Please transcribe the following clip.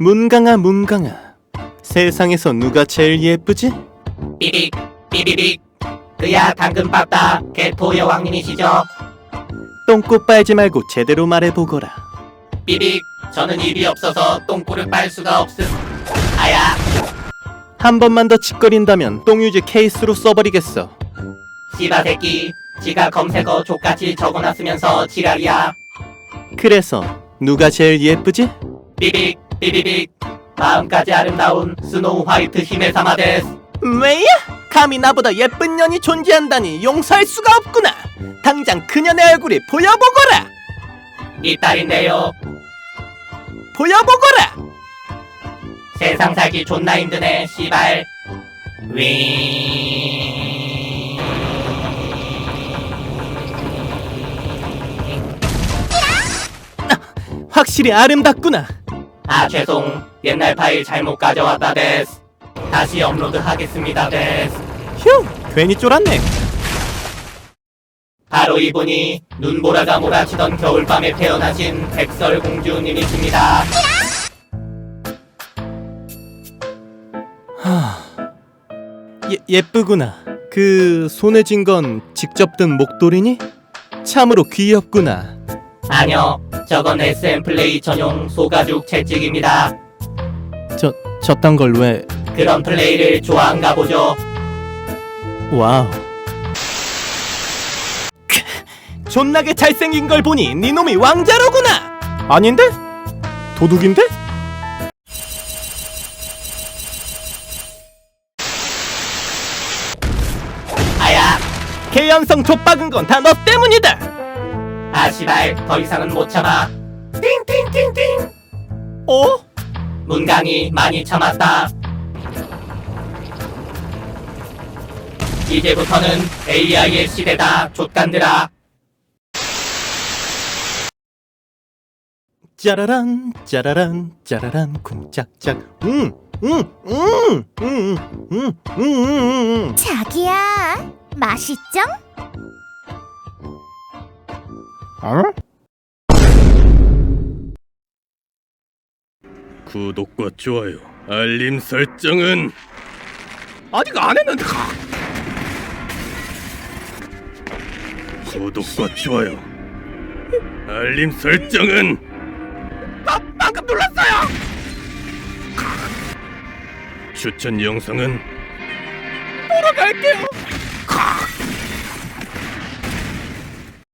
문강아 문강아, 세상에서 누가 제일 예쁘지? 삐빅 삐비빅. 그야 당근밥다 개토 여왕님이시죠? 똥꼬 빨지 말고 제대로 말해보거라. 삐빅. 저는 입이 없어서 똥꼬를 빨 수가 없음. 아야. 한 번만 더 짓거린다면 똥유지 케이스로 써버리겠어. 씨바 새끼. 지가 검색어 족같이 적어놨으면서 지랄이야. 그래서 누가 제일 예쁘지? 삐빅 삐비빅. 마음까지 아름다운 스노우 화이트 힘의 사마데스. 왜야? 감히 나보다 예쁜 년이 존재한다니 용서할 수가 없구나. 당장 그년의 얼굴이 보여보거라. 니 딸인데요. 보여보거라. 세상 살기 존나 힘드네 씨발. 윙. 확실히 아름답구나. 아 죄송. 옛날 파일 잘못 가져왔다 데스. 다시 업로드 하겠습니다 데스. 휴, 괜히 쫄았네. 바로 이분이 눈보라가 몰아치던 겨울밤에 태어나신 백설공주님이십니다. 예쁘구나. 그 손에 쥔 건 직접 든 목도리니? 참으로 귀엽구나. 아니요, 저건 SM 플레이 전용 소가죽 채찍입니다. 저딴 걸 왜? 그런 플레이를 좋아한가 보죠. 와우. 존나게 잘생긴 걸 보니 네 놈이 왕자로구나. 아닌데? 도둑인데? 아야. 개연성 좆박은 건 다 너 때문이다. 아 씨발, 더 이상은 못 참아. 띵띵띵띵. 어? 문강이 많이 참았다. 이제부터는 AI의 시대다 족간들아. 짜라란 짜라란 짜라란 쿵짝짝. 자기야, 맛있죠? 구독과 좋아요, 알림 설정은 아직 안 했는데. 구독과 좋아요, 알림 설정은 방금 눌렀어요. 추천 영상은 보러 갈게요.